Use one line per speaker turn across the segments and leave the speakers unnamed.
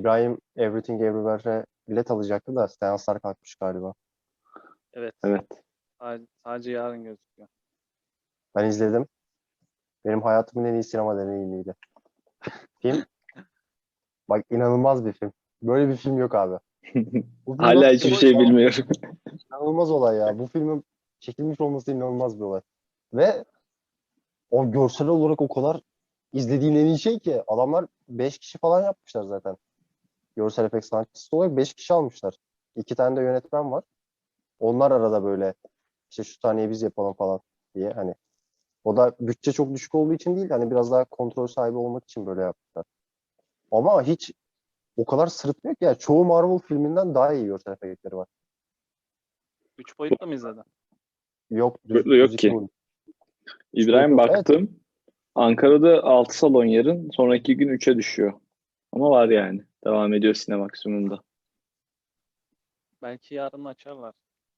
İbrahim Everything Everywhere'e bilet alacaktı da seanslar kalkmış galiba.
Evet.
Evet.
Sadece yarın gözüküyor.
Ben izledim. Benim hayatımın en iyi sinema deneyimiydi. Film, bak inanılmaz bir film. Böyle bir film yok abi. Bu film
Hala
nasıl
hiçbir
çekilmiş?
şey bilmiyorum.
İnanılmaz olay ya. Bu filmin çekilmiş olması inanılmaz bir olay. Ve o görsel olarak o kadar izlediğin en iyi şey ki adamlar 5 kişi falan yapmışlar zaten. Görsel efekt sanatçısı olarak 5 kişi almışlar. 2 tane de yönetmen var. Onlar arada böyle işte şu sahneyi biz yapalım falan diye hani o da bütçe çok düşük olduğu için değil hani biraz daha kontrol sahibi olmak için böyle yaptılar. Ama hiç o kadar sırıtmıyor ki yani çoğu Marvel filminden daha iyi görsel efektleri var.
3 boyutlu mu izledin?
Yok
Boyutlu
düz
yok
iki
ki.
boyut. Üç boyut
İbrahim
yok. Evet.
baktım. Ankara'da 6 salon yarın. Sonraki gün 3'e düşüyor. Ama var yani. Devam ediyor Sinemaksimum'da.
Belki yarın açarlar.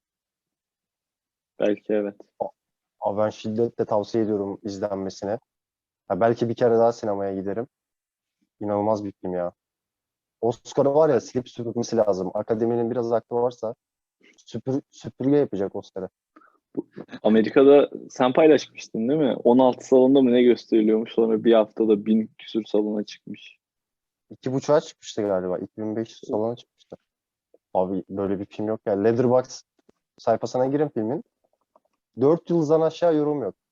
Belki evet.
Ama ben şiddetle tavsiye ediyorum izlenmesine. Ha, belki bir kere daha sinemaya giderim. İnanılmaz bir film ya. Oscar'ı var ya silip süpürmesi lazım. Akademinin biraz aklı varsa süpürge yapacak Oscar'ı.
Amerika'da sen paylaşmıştın değil mi? 16 salonda mı ne gösteriliyormuş? Sonra bir haftada 1000 küsür salona çıkmış.
2,5'a çıkmıştı galiba. 2500 salona çıkmıştı. Abi böyle bir film yok ya. Letterboxd sayfasına girin filmin. 4 yıldızdan aşağı yorum yok.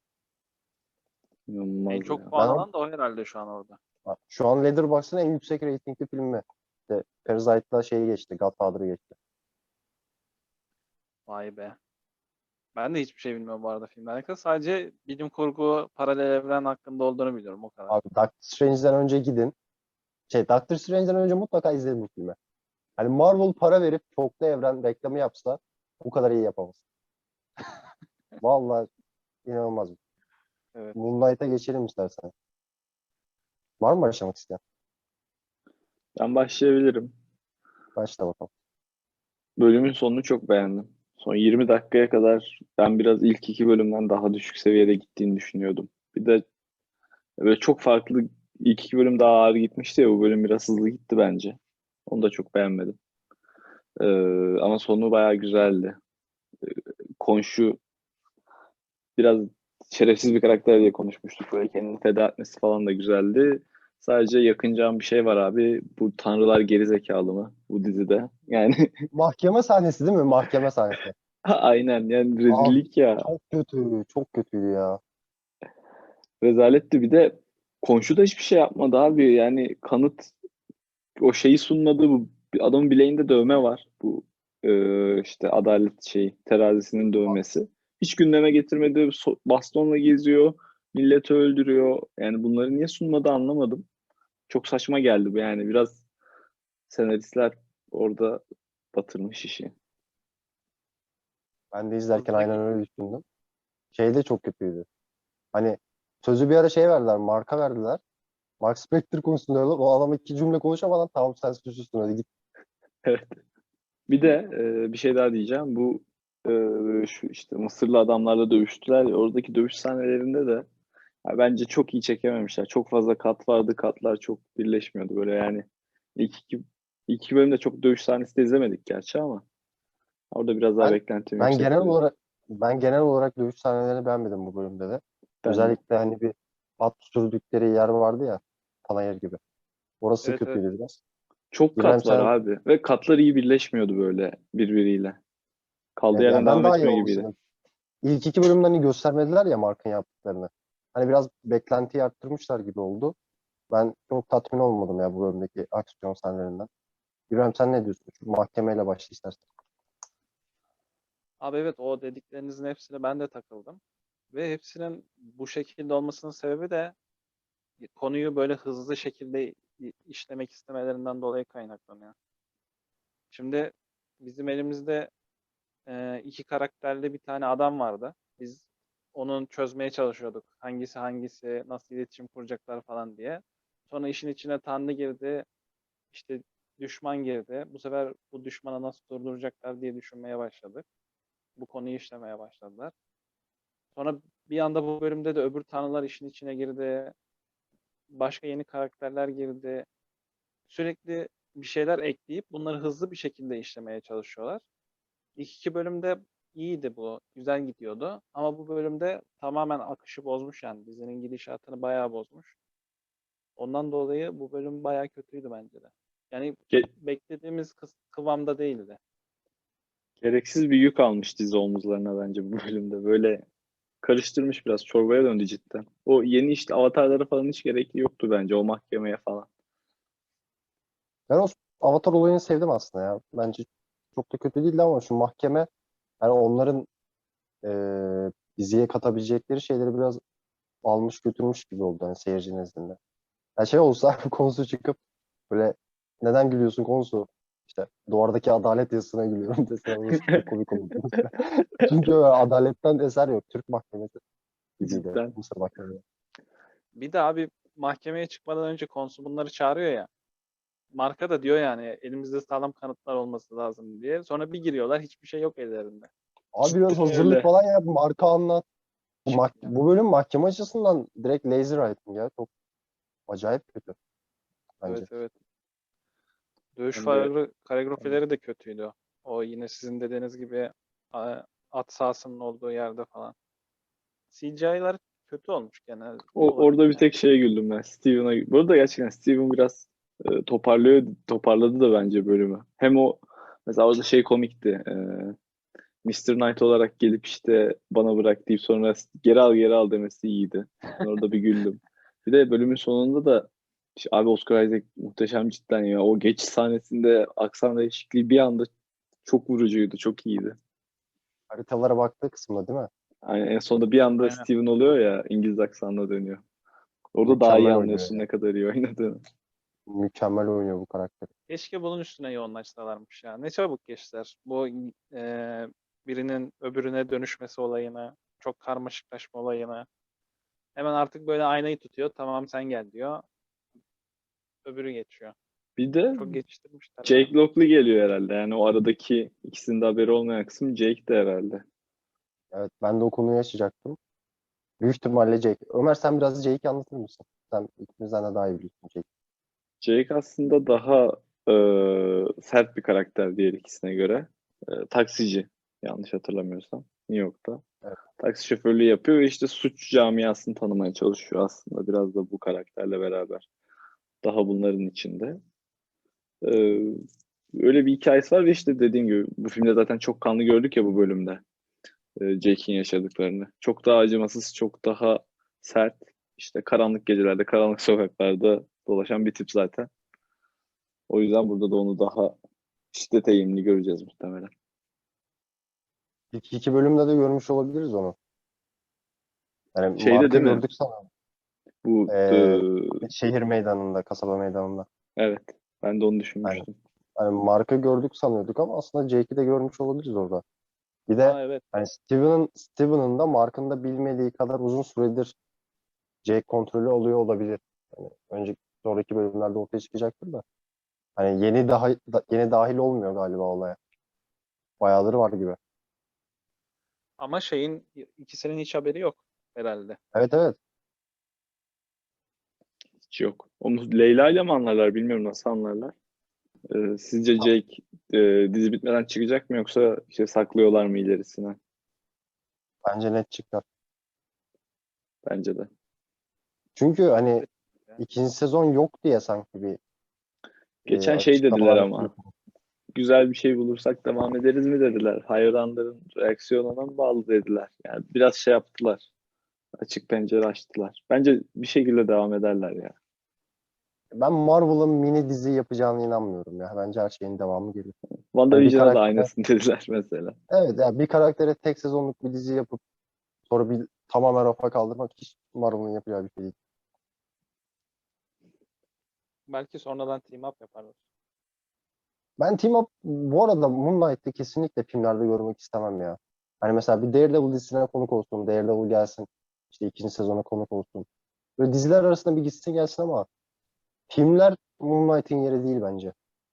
En
İnanılmaz
çok
ya.
puan alan da o herhalde şu an orada.
Şu an Letterboxd'ın en yüksek reytingli filmi. İşte Parasite'la şeyi geçti. Godfather'ı geçti.
Vay be. Ben de hiçbir şey bilmiyorum bu arada filmle alakalı. Sadece bilim kurgu, paralel evren hakkında olduğunu biliyorum o kadar.
Abi Doctor Strange'den önce gidin. Doctor Strange'den önce mutlaka izleyin bu filmi. Hani Marvel para verip çoklu evren reklamı yapsa bu kadar iyi yapamaz. Vallahi inanılmaz.
Evet.
Moonlight'a geçelim istersen. Var mı başlamak isteyen?
Ben başlayabilirim.
Başla bakalım.
Bölümün sonunu çok beğendim. Son 20 dakikaya kadar ben biraz ilk iki bölümden daha düşük seviyede gittiğini düşünüyordum. Bir de böyle çok farklı ilk iki bölüm daha ağır gitmişti ya bu bölüm biraz hızlı gitti bence. Onu da çok beğenmedim. Ee, ama sonu bayağı güzeldi. Konşu biraz şerefsiz bir karakter diye konuşmuştuk. Böyle kendini feda etmesi falan da güzeldi. Sadece yakınacağım bir şey var abi. Bu tanrılar geri zekalı mı bu dizide? Yani
Mahkeme sahnesi değil mi? Mahkeme sahnesi.
aynen yani
Abi
rezillik ya.
çok kötü. Çok kötüydü ya.
Rezaletti bir de komşu da hiçbir şey yapmadı abi. Yani kanıt o şeyi sunmadı. Bu adamın bileğinde dövme var. Bu işte adalet şeyi terazisinin dövmesi. Hiç gündeme getirmedi. Bastonla geziyor. Milleti öldürüyor. Yani bunları niye sunmadı anlamadım. Çok saçma geldi bu yani. Biraz senaristler orada batırmış işi.
Ben de izlerken aynen
Hızlı
öyle düşündüm. Şey de çok kötüydü. Hani sözü bir ara şey verdiler. Marka verdiler. Mark Spector konuşsun diyorlar. O adam iki cümle konuşamadan tamam sen susuşsun hadi git.
Evet. Bir de bir şey daha diyeceğim. Bu şu işte Mısırlı adamlarla dövüştüler ya oradaki dövüş sahnelerinde de ya bence çok iyi çekememişler. Çok fazla kat vardı. Katlar çok birleşmiyordu böyle yani. İlk iki, ilk iki bölümde çok dövüş sahnesi de izlemedik gerçi ama orada biraz daha
Ben
beklentim
ben genel
yüksekti.
olarak ben genel olarak dövüş sahnelerini beğenmedim bu bölümde de.
Ben de.
Özellikle hani bir at sürdükleri yer vardı ya. Panayır gibi. Orası
Evet, evet.
kötüydü biraz.
Çok
İbrahim
kat var
sen
abi ve katlar iyi birleşmiyordu böyle birbiriyle. Kaldığı
evet,
yerden
yani ben
devam
daha iyi
etmiyor gibiydi.
olmasını. İlk iki bölümden hani göstermediler ya Mark'ın yaptıklarını. Hani biraz beklentiyi arttırmışlar gibi oldu. Ben çok tatmin olmadım ya bu bölümdeki aksiyon sahnelerinden. İbrahim sen ne diyorsun? Şu mahkemeyle başla istersen.
Abi evet, o dediklerinizin hepsine ben de takıldım. Ve hepsinin bu şekilde olmasının sebebi de konuyu böyle hızlı şekilde işlemek istemelerinden dolayı kaynaklanıyor. Şimdi bizim elimizde iki karakterli bir tane adam vardı. Biz onun çözmeye çalışıyorduk. Hangisi hangisi, nasıl iletişim kuracaklar falan diye. Sonra işin içine Tanrı girdi, işte düşman girdi. Bu sefer bu düşmanı nasıl durduracaklar diye düşünmeye başladık. Bu konuyu işlemeye başladılar. Sonra bir anda bu bölümde de öbür tanrılar işin içine girdi. Başka yeni karakterler girdi. Sürekli bir şeyler ekleyip bunları hızlı bir şekilde işlemeye çalışıyorlar. İlk iki bölümde iyiydi bu. Güzel gidiyordu. Ama bu bölümde tamamen akışı bozmuş yani. Dizinin gidişatını bayağı bozmuş. Ondan dolayı bu bölüm bayağı kötüydü bence de. Yani
Ge-
beklediğimiz kıvamda değildi.
Gereksiz bir yük almış dizi omuzlarına bence bu bölümde. Böyle karıştırmış, biraz çorbaya döndü cidden. O yeni işte avatarları falan hiç gerekli yoktu bence, o mahkemeye falan.
Ben o Avatar olayını sevdim aslında ya. Bence çok da kötü değildi ama şu mahkeme, yani onların diziye katabilecekleri şeyleri biraz almış götürmüş gibi oldu hani seyirci nezdinde. Yani şey olsa konusu çıkıp böyle neden gülüyorsun konusu, işte duvardaki adalet yazısına gülüyorum dese orası çok komik olurdu. Çünkü öyle adaletten eser yok. Türk mahkemesi gibiydi.
Cidden.
Mısır mahkemesi.
Bir de abi mahkemeye çıkmadan önce konsul bunları çağırıyor ya. Marka da diyor yani elimizde sağlam kanıtlar olması lazım diye. Sonra bir giriyorlar hiçbir şey yok ellerinde.
Abi biraz
Cidden
hazırlık
öyle.
falan yap. Marka anlat.
Yani.
Bu bölüm mahkeme açısından direkt lazy writing ya. Çok acayip kötü bence.
Evet, evet. Dövüş
Ben de
koreografileri de kötüydü. O yine sizin dediğiniz gibi at sahasının olduğu yerde falan. CGI'lar kötü olmuş genel olarak
orada bir
yani.
tek şeye güldüm ben. Steven'a. Bu arada gerçekten Steven biraz toparladı da bence bölümü. Hem o mesela orada şey komikti. Mr. Knight olarak gelip işte bana bırak deyip sonra geri al demesi iyiydi. Ben orada bir güldüm. Bir de bölümün sonunda da işte abi Oscar Isaac muhteşem cidden ya. O geçiş sahnesinde aksan değişikliği bir anda çok vurucuydu, çok iyiydi.
Haritalara baktığı kısımda değil mi?
Yani en sonunda bir anda
Aynen.
Steven oluyor ya, İngiliz aksanına dönüyor. Orada daha iyi
Mükemmel oynuyor
anlıyorsun
ya.
ne kadar iyi oynadığını.
Mükemmel oynuyor bu karakter.
Keşke bunun üstüne yoğunlaşsalarmış ya. Ne çabuk geçtiler. Bu birinin öbürüne dönüşmesi olayına, çok karmaşıklaşma olayına. Hemen artık böyle aynayı tutuyor. Tamam sen gel diyor. Öbürü geçiyor.
Bir de
Çok geçiştirmişler ya.
Jake Lockley geliyor herhalde. Yani o aradaki ikisinin de haberi olmayan kısım Jake de herhalde.
Evet, ben de o konuyu açacaktım. Büyük ihtimalle Jake. Ömer sen biraz Jake'i anlatır mısın? Sen ikimizden de daha iyi biliyorsun Jake.
Jake aslında daha sert bir karakter diğer ikisine göre. Taksici, yanlış hatırlamıyorsam, New York'ta.
Evet.
Taksi şoförlüğü yapıyor ve işte suç camiasını tanımaya çalışıyor aslında. Biraz da bu karakterle beraber. Daha bunların içinde. E, Öyle bir hikayesi var ve işte dediğim gibi bu filmde zaten çok kanlı gördük ya bu bölümde. Jake'in yaşadıklarını. Çok daha acımasız, çok daha sert. İşte karanlık gecelerde, karanlık sokaklarda dolaşan bir tip zaten. O yüzden burada da onu daha şiddete eğilimli göreceğiz muhtemelen.
İlk iki bölümde de görmüş olabiliriz onu. Yani
Şeyde
marka
değil mi?
gördük sana.
Bu
Şehir meydanında, kasaba meydanında.
evet. Ben de onu
Yani,
düşünmüştüm.
hani marka gördük sanıyorduk ama aslında Jake'i de görmüş olabiliriz orada. Bir de
Aa, evet.
hani Steven'ın da Mark'ın da bilmediği kadar uzun süredir Jake kontrolü oluyor olabilir. Yani önceki sonraki bölümlerde ortaya çıkacaktır da. Hani yeni dahil olmuyor galiba olaya. Bayağıdır var gibi.
Ama şeyin ikisinin hiç haberi yok herhalde.
Evet, evet.
Hiç yok. Onu Leyla ile mi anlarlar bilmiyorum, nasıl anlarlar. Sizce Jake dizi bitmeden çıkacak mı, yoksa işte saklıyorlar mı ilerisine?
Bence net çıkar.
Bence de.
Çünkü hani
Kesinlikle.
ikinci sezon yok diye sanki bir
Geçen şey dediler
açıklamalar yapılıyor.
ama. Güzel bir şey bulursak devam ederiz mi dediler. Hayranların reaksiyonuna mı bağlı dediler. Yani biraz şey yaptılar. Açık pencere açtılar. Bence bir şekilde devam ederler ya.
Ben Marvel'ın mini dizi yapacağına inanmıyorum ya. Bence her şeyin devamı gelir. Hani bir
WandaVision'a da
karaktere,
aynısını dediler mesela.
evet ya, bir karaktere tek sezonluk bir dizi yapıp sonra bir tamamen rafa kaldırmak hiç Marvel'ın yapacağı bir şey değil.
Belki sonradan team up yaparlar.
Ben Team Up bu arada Moon Knight'ı kesinlikle filmlerde görmek istemem ya. Hani mesela bir Daredevil dizisine konuk olsun, Daredevil gelsin, işte ikinci sezona konuk olsun. Böyle diziler arasında bir gitsin gelsin ama filmler Moon Knight'ın yeri değil bence.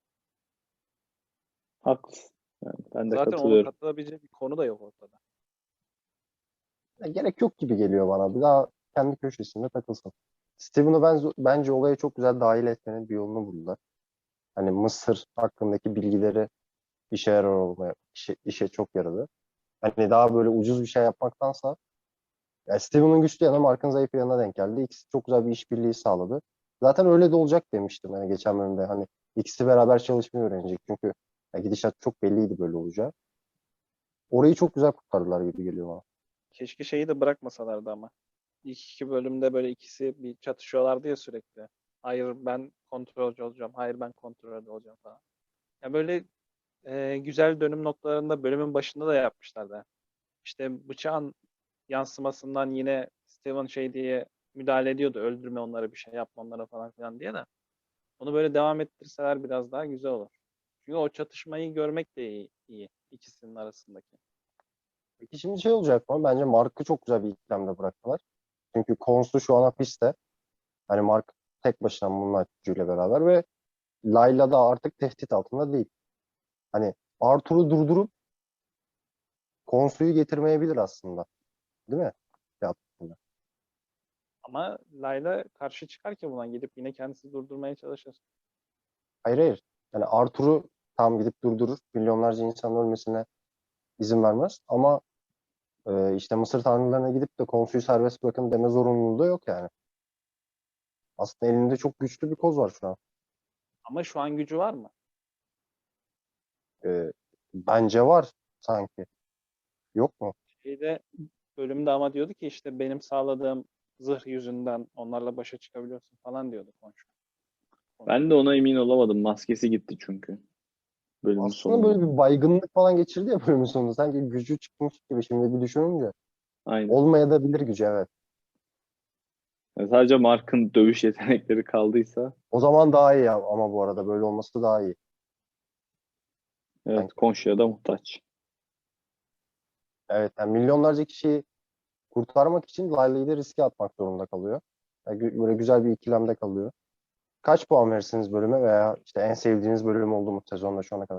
Haklısın. Yani ben de
Zaten onu
katılıyorum.
katılabilecek bir konu da yok ortada.
Ya gerek yok gibi geliyor bana. Bir daha kendi köşesinde takılsın. Steven'ı bence olaya çok güzel dahil etmenin bir yolunu buldular. hani Mısır hakkındaki bilgileri işe yarar olmaya, işe çok yaradı. Hani daha böyle ucuz bir şey yapmaktansa ya Steven'ın güçlü yanı Mark'ın zayıf yanına denk geldi. İkisi çok güzel bir işbirliği sağladı. Zaten öyle de olacak demiştim hani geçen bölümde. Hani ikisi beraber çalışmayı öğrenecek. Çünkü ya gidişat çok belliydi böyle olacağı. Orayı çok güzel kurtardılar gibi geliyor bana.
Keşke şeyi de bırakmasalardı ama. İlk iki bölümde böyle ikisi bir çatışıyorlardı ya sürekli. Hayır ben kontrolcü olacağım. Hayır ben kontrolcü olacağım falan. Ya böyle güzel dönüm noktalarında bölümün başında da yapmışlardı. İşte bıçağın yansımasından yine Steven şey diye müdahale ediyordu. Öldürme onları, bir şey yapma onlara falan filan diye de. Onu böyle devam ettirseler biraz daha güzel olur. Çünkü o çatışmayı görmek de iyi ikisinin arasındaki.
Peki şimdi şey olacak mı? Bence Mark'ı çok güzel bir ikilemde bıraktılar. Çünkü Konsu şu an hapiste. Hani Mark tek başına Moonlight gücüyle beraber ve Layla da artık tehdit altında değil. Hani Arthur'u durdurup Konsu'yu getirmeyebilir aslında. Değil mi? Ya,
Ama Layla karşı çıkar ki buna gidip yine kendisi durdurmaya çalışır.
hayır hayır. Yani Arthur'u tam gidip durdurur. Milyonlarca insanın ölmesine izin vermez. Ama işte Mısır tanrılarına gidip de Konsu'yu serbest bırakın deme zorunluluğu da yok yani. Aslında elinde çok güçlü bir koz var şu an.
Ama şu an gücü var mı?
E, Bence var sanki. Yok mu?
Şeyde bölümde ama diyordu ki işte benim sağladığım zırh yüzünden onlarla başa çıkabiliyorsun falan diyordu konuşma.
Ben de ona emin olamadım. Maskesi gitti çünkü bölümün
Aslında
sonunda.
böyle bir baygınlık falan geçirdi ya bölümün sonunda. Sanki gücü çıkmış gibi şimdi bir düşününce.
Aynen.
Olmayabilir gücü evet.
Yani sadece Mark'ın dövüş yetenekleri kaldıysa
O zaman daha iyi ya. Ama bu arada böyle olması daha iyi.
evet
Sanki.
Konşu'ya da muhtaç.
Evet yani milyonlarca kişiyi kurtarmak için Layla'yı da riske atmak zorunda kalıyor. Yani böyle güzel bir ikilemde kalıyor. Kaç puan verirsiniz bölüme veya işte en sevdiğiniz bölüm oldu mu sezonda şu ana kadar?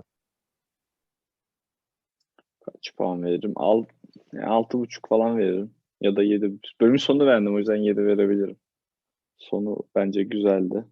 Kaç puan veririm? Yani 6,5 falan veririm. Ya da 7. Bölümün sonunu beğendim o yüzden 7 verebilirim. Sonu bence güzeldi.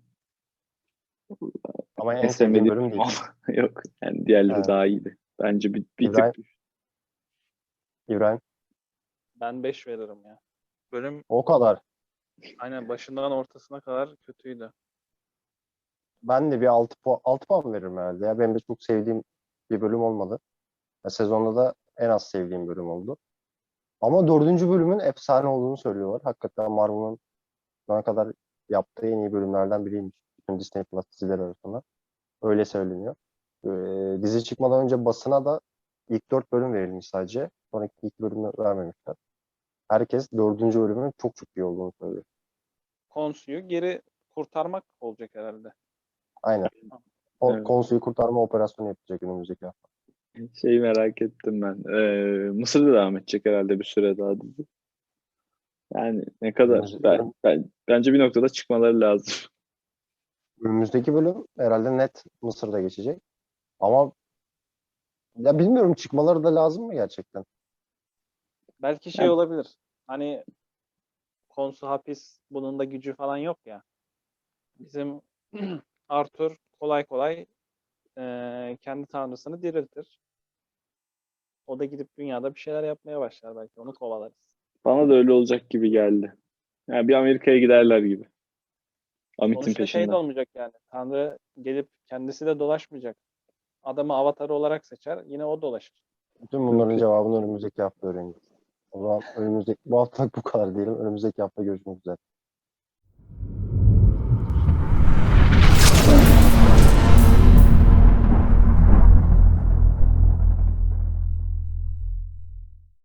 Ama
En
en sevdiğim
sevmediğim
bölüm
bölüm
değil.
oldu. Yok. Yani diğerleri
Evet.
daha iyiydi. Bence bir
İbrahim,
tık düştü.
İbrahim.
Ben 5 veririm ya. Bölüm
O kadar.
aynen başından ortasına kadar kötüydü.
Ben de bir 6 puan veririm herhalde. Ya benim de çok sevdiğim bir bölüm olmadı. Ya sezonda da en az sevdiğim bölüm oldu. Ama dördüncü bölümün efsane olduğunu söylüyorlar. Hakikaten Marvel'ın şu ana kadar yaptığı en iyi bölümlerden biriymiş. Bütün Disney Plus dizileri arasında. Öyle söyleniyor. Dizi çıkmadan önce basına da ilk 4 bölüm verilmiş sadece. Sonraki 2 bölümü vermemişler. Herkes dördüncü bölümün çok çok iyi olduğunu söylüyor.
Konsu'yu geri kurtarmak olacak herhalde.
Aynen.
Evet.
Konsuyu kurtarma operasyonu yapacak önümüzdeki hafta.
Şeyi merak ettim ben. Mısır'da devam edecek herhalde bir süre daha dizi. Yani ne kadar
Önümüz-
bence bir noktada çıkmaları lazım.
Önümüzdeki bölüm herhalde net Mısır'da geçecek. Ama ya bilmiyorum çıkmaları da lazım mı gerçekten?
Belki şey
Yani
olabilir. Hani Konsu hapis bunun da gücü falan yok ya. Bizim Arthur kolay kolay kendi tanrısını diriltir. O da gidip dünyada bir şeyler yapmaya başlar belki. Onu kovalarız.
bana da öyle olacak gibi geldi. Yani bir Amerika'ya giderler gibi. Amit'in
Sonuçta şey de
peşinden.
olmayacak yani. Tanrı gelip kendisi de dolaşmayacak. Adamı avatarı olarak seçer. Yine o dolaşır.
Bütün bunların cevabını önümüzdeki hafta öğreneceğiz. O zaman bu haftalık bu kadar diyelim. Önümüzdeki hafta görüşmek üzere.